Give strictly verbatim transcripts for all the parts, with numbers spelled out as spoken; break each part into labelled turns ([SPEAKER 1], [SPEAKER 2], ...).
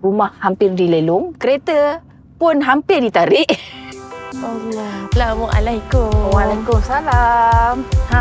[SPEAKER 1] Rumah hampir dilelong, kereta pun hampir ditarik.
[SPEAKER 2] Allah. Assalamualaikum.
[SPEAKER 1] Waalaikumsalam. Ha,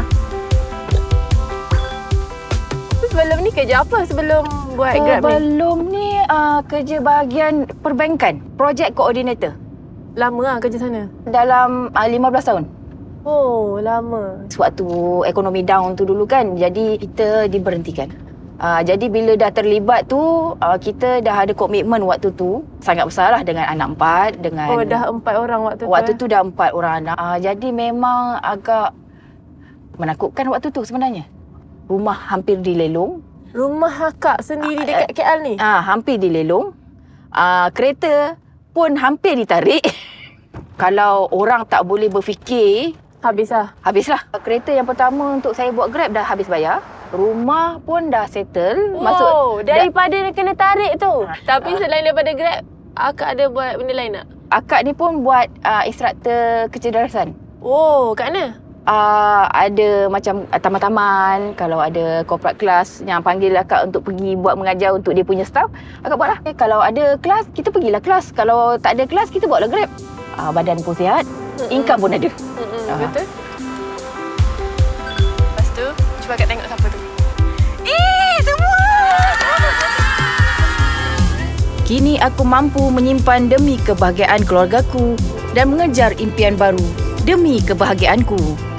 [SPEAKER 2] Sebelum ni kerja apa sebelum buat Grab ni?
[SPEAKER 1] sebelum ni uh, kerja bahagian perbankan, project coordinator.
[SPEAKER 2] Lama lah kerja sana?
[SPEAKER 1] Dalam uh, lima belas tahun.
[SPEAKER 2] Oh, lama.
[SPEAKER 1] Sewaktu ekonomi down tu dulu kan, jadi kita diberhentikan. Uh, jadi bila dah terlibat tu, uh, kita dah ada komitmen waktu tu sangat besar lah dengan anak empat. Dengan
[SPEAKER 2] Oh, dah empat orang waktu tu?
[SPEAKER 1] Waktu
[SPEAKER 2] eh?
[SPEAKER 1] tu dah empat orang anak. Uh, jadi memang agak menakutkan waktu tu sebenarnya. Rumah hampir dilelong.
[SPEAKER 2] Rumah akak sendiri dekat K L ni?
[SPEAKER 1] Ah, hampir dilelong. Ah, kereta pun hampir ditarik. Kalau orang tak boleh berfikir,
[SPEAKER 2] Habis lah.
[SPEAKER 1] habislah. Kereta yang pertama untuk saya buat Grab dah habis bayar. Rumah pun dah settle.
[SPEAKER 2] Oh, daripada dah, kena tarik tu.
[SPEAKER 1] Ah.
[SPEAKER 2] Tapi selain daripada Grab, akak ada buat benda lain tak?
[SPEAKER 1] akak ni pun buat uh, instruktor kecerdasan.
[SPEAKER 2] Oh, kat mana?
[SPEAKER 1] Uh, ada macam uh, taman-taman, kalau ada corporate class yang panggil akak untuk pergi buat mengajar untuk dia punya staff, akak buatlah. Eh, kalau ada kelas, kita pergilah kelas. Kalau tak ada kelas, kita buatlah Grab. Uh, badan pun sihat,
[SPEAKER 2] Mm-mm.
[SPEAKER 1] income pun ada.
[SPEAKER 2] Mm-mm,
[SPEAKER 1] Ah.
[SPEAKER 2] betul. Lepas tu, cuba akak tengok siapa tu.
[SPEAKER 1] Eh, semua! Kini aku mampu menyimpan demi kebahagiaan keluargaku dan mengejar impian baru demi kebahagiaanku.